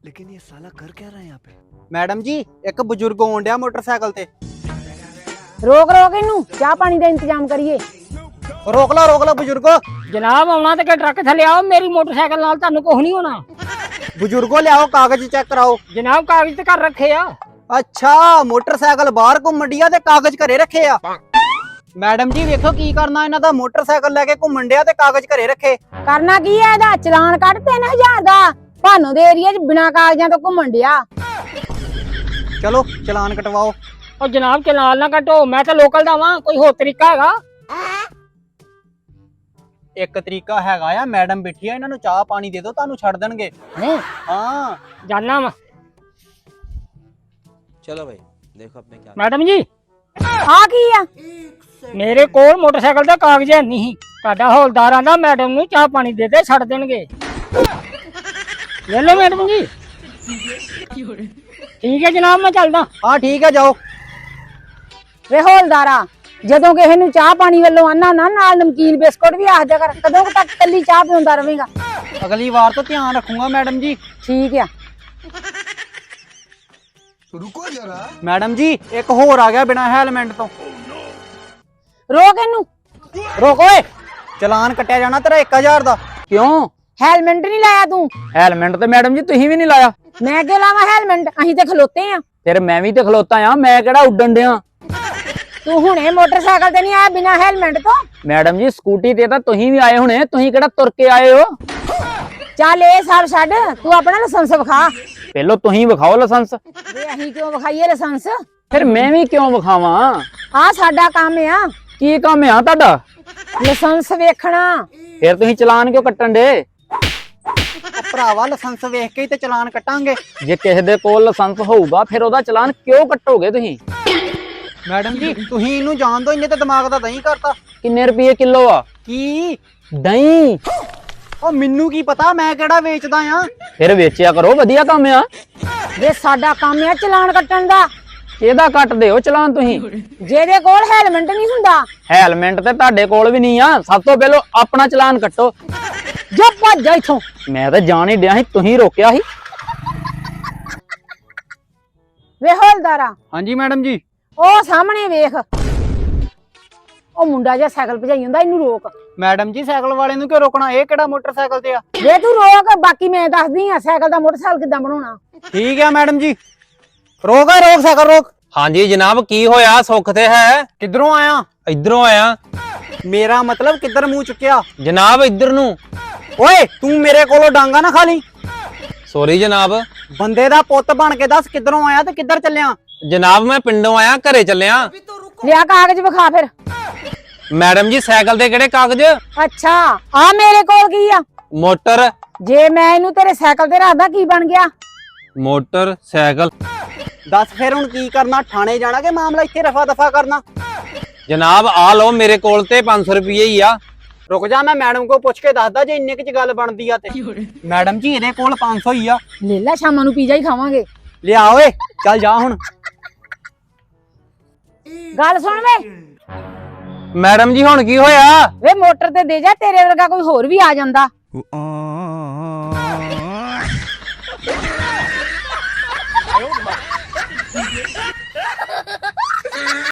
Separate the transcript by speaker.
Speaker 1: लेकिन ये साला कर क्या रहा है यहाँ पे?
Speaker 2: मैडम जी एक बुजुर्ग आउण ਡਿਆ मोटरसाइकिल ते
Speaker 3: रोक रोक इनू चाह पानी का इंतजाम करिए।
Speaker 2: रोक ला बुजुर्गो।
Speaker 3: जनाब आना तो के ट्रक थले आओ, मेरी मोटरसाइकिल नाल तानू कुछ नहीं होना।
Speaker 2: बुजुर्गो लियाओ कागज चेक कराओ।
Speaker 3: जनाब कागज तो घर रखे आ।
Speaker 2: अच्छा मोटरसाइकिल बाहर घूमण ਡਿਆ ਤੇ ਕਾਗਜ਼ ਘਰੇ ਰੱਖੇ ਆ। मैडम जी वेखो की करना इन्हां दा, मोटरसाइकिल लेके घूमण ਡਿਆ ਤੇ ਕਾਗਜ਼ ਘਰੇ ਰੱਖੇ।
Speaker 3: करना की है ਇਹਦਾ ਚਲਾਨ ਕੱਢ 3000 ਦਾ। ਭਾਨੋ ਦੇ ਏਰੀਆ 'ਚ ਬਿਨਾ ਕਾਗਜ਼ਾਂ ਤੋਂ ਘੁੰਮਣ ਡਿਆ।
Speaker 2: चलो चलान कटवाओ।
Speaker 3: और जनाब चलान ना कटो, मैं तो लोकल दा वां, कोई होर तरीका हैगा?
Speaker 2: एक तरीका हैगा आ, मैडम बैठी है इन्हां नूं चाह पानी दे दो तानू छड़ देणगे। हां
Speaker 3: जानना वा।
Speaker 1: चलो भाई देखो अपने क्या।
Speaker 3: मैडम जी आ की आ? मेरे कोल मोटरसाइकिल दा कागज है नहीं। ਤੁਹਾਡਾ ਹੌਲਦਾਰ ਆਂਦਾ ਮੈਡਮ ਨੂੰ ਚਾਹ ਪਾਣੀ ਦੇ ਦੇ ਛੱਡ ਦੇਣਗੇ। ले लो मैडम जी। ठीक है जनाब मैं चलदा।
Speaker 2: हाँ ठीक है जाओ।
Speaker 3: वे हौलदारा ਜਦੋਂ ਕਿਸੇ ਨੂੰ ਚਾਹ ਪਾਣੀ ਵੱਲੋਂ ਆਨਾ ਨਾ ਨਾਲ ਨਮਕੀਨ ਬਿਸਕੁਟ ਵੀ ਆਖ ਦਿਆ ਕਰ। ਕਦੋਂ ਤੱਕ ਕੱਲੀ ਚਾਹ ਪੀਉਂਦਾ ਰਵੇਂਗਾ?
Speaker 2: अगली बार तो ध्यान रखूंगा मैडम जी।
Speaker 3: ठीक है।
Speaker 1: रुको जरा।
Speaker 2: मैडम जी एक होर आ गया बिना हेलमेट तो।
Speaker 3: रोक इनू।
Speaker 2: रोक ओए, चलान कटिया जाना तेरा 1000 दा। क्यों?
Speaker 3: हेलमेट नहीं लाया तू?
Speaker 4: हेलमेट तो मैडम जी तुही भी नहीं लाया।
Speaker 3: मैं क्यों लावा हेलमेट? अहीं ते खलोते आ।
Speaker 4: फिर मैं भी तो खलोता आ, मैं केड़ा उड्डन दिया।
Speaker 3: तू हुणे मोटरसाइकिल ते नहीं आया बिना हेलमेट तो?
Speaker 4: मैडम जी स्कूटी ते तां तुही भी आए होने, तुही केड़ा तुर के आए हो?
Speaker 3: चल ए सब छड्ड, तू अपना लाइसेंस विखा।
Speaker 4: पहलो तुही विखाओ लाइसेंस।
Speaker 3: वे अहीं क्यों विखाईए लाइसेंस?
Speaker 4: फिर मैं भी क्यों विखावां?
Speaker 3: आ साडा काम आ
Speaker 4: की काम है तुहाडा?
Speaker 3: लाइसेंस वेखना।
Speaker 4: फिर तुही चलान क्यों कट्टन दे?
Speaker 2: भरावा लाइसेंस वेख के ही ते चलान कटांगे।
Speaker 4: जे किसी दे कोल लाइसेंस होऊगा फिर ओदा चलान क्यों कट्टोगे तुही?
Speaker 2: मैडम जी तुही इनू जान दो, इन्ने ते दिमाग दा दही करता।
Speaker 4: किन्ने रुपये किलो आ
Speaker 2: की
Speaker 4: दही?
Speaker 2: ओ मिन्नू की पता मैं केड़ा वेचदा आ।
Speaker 4: फिर वेचिया करो, वधिया काम आ।
Speaker 3: वे साडा काम आ चलान कट्टन दा।
Speaker 4: केदा कट दिओ चलान तुही?
Speaker 3: जेदे कोल हेलमेट नहीं हुंदा।
Speaker 4: हेलमेट ते तुहाडे कोल भी नहीं आ। सब तो पहलो अपना चलान कट्टो।
Speaker 3: जा भज जा इथों।
Speaker 4: मैं तो जान ही दिया ही, तुही रोकिया ही।
Speaker 3: वे हौलदारा
Speaker 2: हाँ जी मैडम जी।
Speaker 3: ओ सामने वेख, ओ मुंडा जिहा साइकिल भजाई हुंदा, इनू रोक।
Speaker 2: मैडम जी साइकिल वाले नू क्यों रोकना? ये केड़ा मोटरसाइकिल ते आ?
Speaker 3: वे तू रोक, बाकी मैं दसदी आ साइकिल दा मोटरसाइकिल किदां बनाउणा।
Speaker 2: ठीक है मैडम जी। रोक साइकिल रोक।
Speaker 4: हाँ जी जनाब की होया? सुख ते है?
Speaker 2: किधरों आया?
Speaker 4: इधरों आया।
Speaker 2: मेरा मतलब किधर मुंह चुकिया?
Speaker 4: जनाब इधर नू।
Speaker 2: ओए तू मेरे कोलों डांगा ना खाली।
Speaker 4: सॉरी जनाब।
Speaker 2: बंदे दा पुੱਤ बन के दस किधरों आया ते किधर चलिया?
Speaker 4: जनाब मैं पिंडों आया, घरे चलिया।
Speaker 3: लिया कागज विखा फिर।
Speaker 4: मैडम जी साइकिल दे केड़े कागज?
Speaker 3: अच्छा आ मेरे कोल की आ?
Speaker 4: मोटर
Speaker 3: जे मैं इनू तेरे साइकिल ते रखदा की बन गया?
Speaker 4: Motorcycle.
Speaker 2: दस फिर हुण की करना? थाने जाना के मामला इत्थे रफा दफा करना?
Speaker 4: जनाब आ लो मेरे कोल ते 500 रुपये ही आ।
Speaker 2: रुक जा मैं मैडम को पुछ के दसदा जे इन्ने च गल बनदी आ ते। मैडम जी इहदे कोल 500 ही आ।
Speaker 3: ले ला शामां नू पिज़्ज़ा ही खावांगे।
Speaker 2: लिया ओए चल जा हुण।
Speaker 3: गल सुन वे,
Speaker 4: मैडम जी हुण की होया?
Speaker 3: वे मोटर ते दे जा, तेरे वर्गा कोई होर भी आ जांदा।